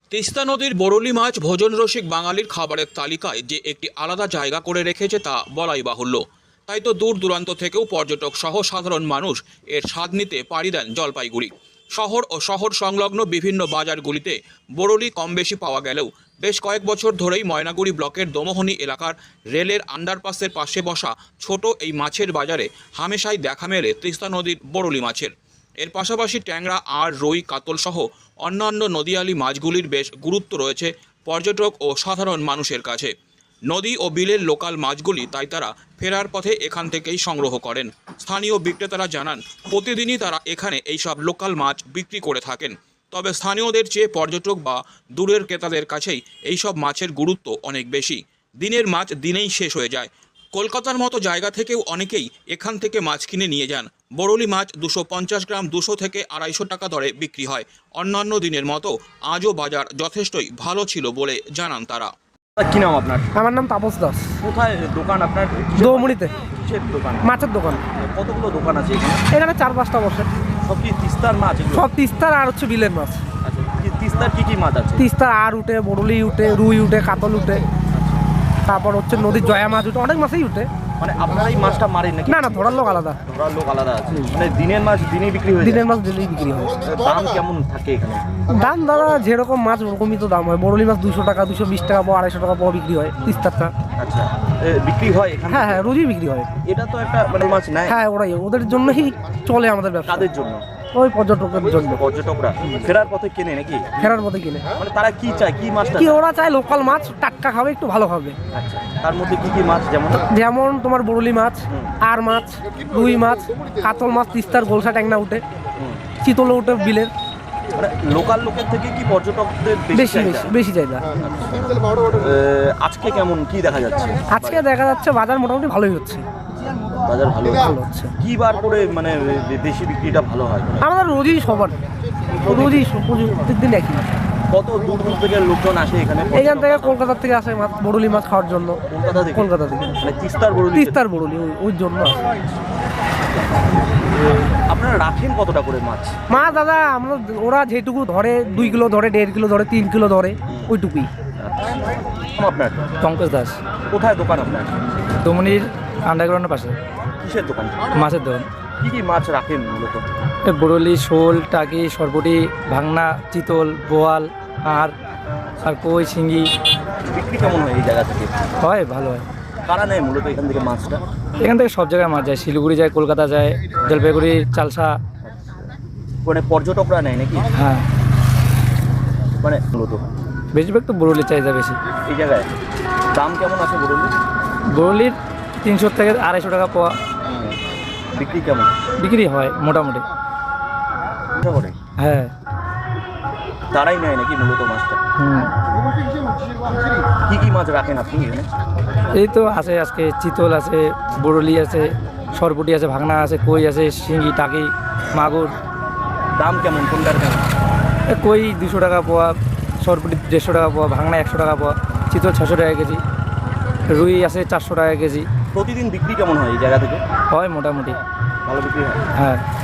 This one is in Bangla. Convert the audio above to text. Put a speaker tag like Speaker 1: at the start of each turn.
Speaker 1: তিস্তা নদীর বরলি মাছ ভোজন রসিক বাঙালির খাবারের তালিকায় যে একটি আলাদা জায়গা করে রেখেছে তা বলাই বাহুল্য। তাই তো দূর দূরান্ত থেকেও পর্যটক সহ সাধারণ মানুষ এর স্বাদ নিতে পাড়ি দেন জলপাইগুড়ি শহর ও শহর সংলগ্ন বিভিন্ন বাজারগুলিতে বরলি কম বেশি পাওয়া গেলেও বেশ কয়েক বছর ধরেই ময়নাগুড়ি ব্লকের দমোহনী এলাকার রেলের আন্ডারপাসের পাশে বসা ছোট এই মাছের বাজারে হামেশাই দেখা মেলে তিস্তা নদীর বরলি মাছের। এর পাশাপাশি ট্যাংরা আর রুই কাতল সহ অন্যান্য নদীয়ালি মাছগুলির বেশ গুরুত্ব রয়েছে পর্যটক ও সাধারণ মানুষের কাছে। নদী ও বিলের লোকাল মাছগুলি তাই তারা ফেরার পথে এখান থেকেই সংগ্রহ করেন। স্থানীয় বিক্রেতারা জানান প্রতিদিনই তারা এখানে এইসব লোকাল মাছ বিক্রি করে থাকেন। তবে স্থানীয়দের চেয়ে পর্যটক বা দূরের ক্রেতাদের কাছেই এইসব মাছের গুরুত্ব অনেক বেশি। দিনের মাছ দিনেই শেষ হয়ে যায়। কলকাতার মতো জায়গা থেকেও অনেকেই এখান থেকে মাছ কিনে নিয়ে যান। বরলি মাছ 250 গ্রাম 200 থেকে 250 টাকা দরে বিক্রি হয়। অন্যান্য দিনের মতো আজও বাজার যথেষ্টই ভালো ছিল বলে জানান তারা।
Speaker 2: কি নাম আপনার?
Speaker 3: আমার নাম তাপস দাস।
Speaker 2: কোথায় দোকান আপনার?
Speaker 3: দৌমুড়িতে।
Speaker 2: কিসের দোকান?
Speaker 3: মাছের দোকান।
Speaker 2: কতগুলো দোকান আছে এখানে?
Speaker 3: এখানে 4-5টা বসে।
Speaker 2: সব কি তিস্তার মাছ এগুলো?
Speaker 3: সব তিস্তার আর হচ্ছে বিলের মাছ।
Speaker 2: আচ্ছা, তিস্তার কি কি মাছ আছে?
Speaker 3: তিস্তার আর উঠে, বরলি উঠে, রুই উঠে, কাতল উঠে, তারপর হচ্ছে নদীর জয়া মাছ উঠে, অনেক মাছই উঠে।
Speaker 2: মানে আপনারা এই মাছটা মারেন নাকি?
Speaker 3: না, ধরার লোক আলাদা।
Speaker 2: ধরার লোক আলাদা আছে। মানে দিনের মাছ দিনেই বিক্রি হয়ে যায়?
Speaker 3: দিনের মাছ দিনেই বিক্রি হয়।
Speaker 2: দাম কেমন থাকে এখানে?
Speaker 3: দাম দাদা যেরকম মাছ ওরকমই তো দাম হয়। বরলি মাছ 200 টাকা, 220 টাকা পাওয়া, 250 টাকা পাওয়া বিক্রি হয় তিস্তারটা।
Speaker 2: আচ্ছা, বিক্রি হয় এখানে?
Speaker 3: হ্যাঁ, রোজই বিক্রি হয়।
Speaker 2: এটা তো একটা মানে মাছ নাই?
Speaker 3: হ্যাঁ, ওদের জন্যই চলে আমাদের ব্যবসা।
Speaker 2: কাদের জন্য?
Speaker 3: ওই পর্যটকের জন্য।
Speaker 2: পর্যটকরা ফেরার পথে কেনে নাকি?
Speaker 3: ফেরার পথে কিনে।
Speaker 2: মানে তারা কি চায়, কি মাছটা
Speaker 3: কি ওরা চায়? লোকাল মাছ, টাটকা খাবে, একটু ভালো খাবে।
Speaker 2: আচ্ছা, তার মধ্যে কি কি মাছ?
Speaker 3: যেমন তোমার বরলি মাছ, আর মাছ, রুই মাছ, কাতল মাছ, তিস্তার গোলসা ট্যাংরা উঠে, চিতল উঠে বিলের।
Speaker 2: মানে লোকাল লোকের থেকে কি পর্যটকদের
Speaker 3: বেশি চাহিদা।
Speaker 2: আজকে কেমন কি দেখা যাচ্ছে?
Speaker 3: আজকে দেখা যাচ্ছে বাজার মোটামুটি ভালোই হচ্ছে।
Speaker 2: বাজার ভালো
Speaker 3: হচ্ছে।
Speaker 2: কি বার করে মানে বেশি বিক্রিটা ভালো হয়?
Speaker 3: আমাদের রোজই সবার, রোজই প্রত্যেকদিন একই।
Speaker 2: কত দূর দূর থেকে লোকজন আসে এখানে?
Speaker 3: এখান থেকে কলকাতা থেকে আসে মাছ, বরলি মাছ খাওয়ার জন্য। কলকাতা থেকে
Speaker 2: মানে তিস্তার বরলি
Speaker 3: ওই জন্য আসে।
Speaker 2: আপনারা রাখেন কতটা করে মাছ?
Speaker 3: দাদা আমরা ওরা যেটুকু ধরে 2 কিলো ধরে, 1.5 কিলো ধরে, 3 কিলো ধরে, ওইটুকুই।
Speaker 2: আপনার
Speaker 4: পঙ্কজ দাস।
Speaker 2: কোথায় দোকান আপনার?
Speaker 4: দমনির আন্ডারগ্রাউন্ডের পাশে।
Speaker 2: কিসের দোকান?
Speaker 4: মাছের দোকান।
Speaker 2: কি কি মাছ রাখেন মূলত?
Speaker 4: বরলি, শোল, টাকি, সরপুটি, ভাংনা, চিতল, বোয়াল, আর কই, শিঙ্গি।
Speaker 2: বিক্রি কেমন হয় এই জায়গা থেকে?
Speaker 4: হয়, ভালো হয়।
Speaker 2: কারা নেয় মূলত এখান থেকে মাছটা?
Speaker 4: এখান থেকে সব জায়গায় মাছ যায়, শিলিগুড়ি যায়, কলকাতা যায়, জলপাইগুড়ি, চালসা।
Speaker 2: মানে পর্যটকরা নেয় নাকি?
Speaker 4: হ্যাঁ,
Speaker 2: মানে মূলত
Speaker 4: বেশিরভাগ তো বরলির চাহিদা বেশি
Speaker 2: এই জায়গায়। দাম কেমন আছে বরলি?
Speaker 4: বরলির 300 থেকে 250 টাকা পাওয়া।
Speaker 2: বিক্রি কেমন?
Speaker 4: বিক্রি হয় মোটামুটি। হ্যাঁ,
Speaker 2: তারাই নেয় নাকি মূলত মাছটা? কি কি মাছ রাখেন আপনি এখানে?
Speaker 4: এই তো আছে, আজকে চিতল আছে, বরলি আছে, সরপুটি আছে, ভাংনা আছে, কই আছে, শিঙ্গি, টাকি, মাগুর।
Speaker 2: দাম কেমন কোনটার কেমন?
Speaker 4: কই 200 টাকা পোয়া, সরপুটি 150 টাকা পোয়া, ভাংনা 100 টাকা পোয়া, চিতল 600 টাকা কেজি, রুই আছে 400 টাকা কেজি।
Speaker 2: প্রতিদিন বিক্রি কেমন হয় এই জায়গা থেকে?
Speaker 4: হয় মোটামুটি
Speaker 2: ভালো বিক্রি হয়?
Speaker 4: হ্যাঁ।